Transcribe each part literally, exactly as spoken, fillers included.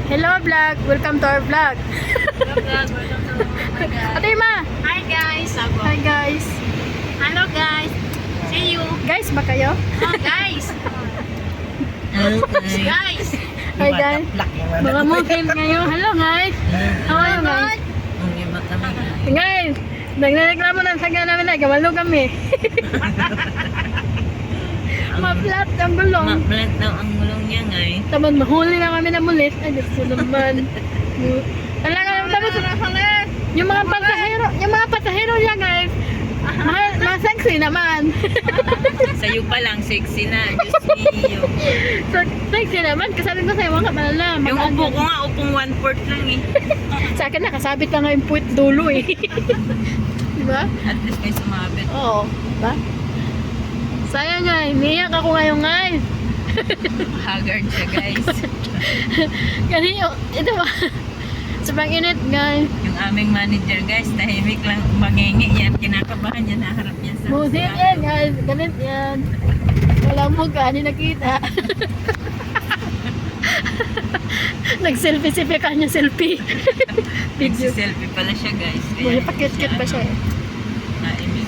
Hello vlog, welcome to our vlog. Ate Ma. Hi guys. Ako. Hi guys. Hello guys. See you. Guys ba kayo? Oh, guys. guys. Hi guys. Mga mungkin kayo. Hello guys. How are you guys? Guys, nagreklamo ng saga namin na gawalo kami. Ma-flat ang gulong. Ma-flat daw ang gulong niya nga eh. Tapos mahuli na kami na mulis. Ay, Diyos ko naman. Talaga naman. Tapos yung mga pasahero, yung mga pasahero niya guys, ma- ma-sexy naman. Sa'yo pa lang, sexy na. Diyos mio. So, sexy naman. Kasabi ko sa'yo, mga malala. Yung upo ko nga, upong one-fourth lang eh. Sa akin nakasabit na nga yung puwit dulo eh. Diba? At least may sumabit. Oo. Diba? Sayang nga, iniyak ako ngayon guys. Haggard siya guys. Kasi yung, ito ba? Sobrang init guys. Yung aming manager guys, tahimik lang mangingi yan. Kinakabahan niya, naharap niya sa... Musit yan guys. Ganit yan. Wala mo ka, hindi nakita. Nag-selfie-selfie ka niya, selfie. Video. Nagsiselfie pala siya guys. Buhay pa cute-cute pa siya eh. Naimik.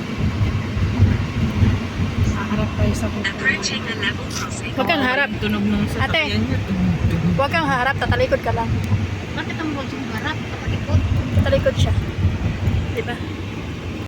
Harap kayo sa puto. Huwag kang harap. Yung tunog nung Ate. sasakyan niya. Huwag kang harap, tatalikod ka lang. Bakit ang buwan yung harap? Kapalikod. Tatalikod siya. Diba?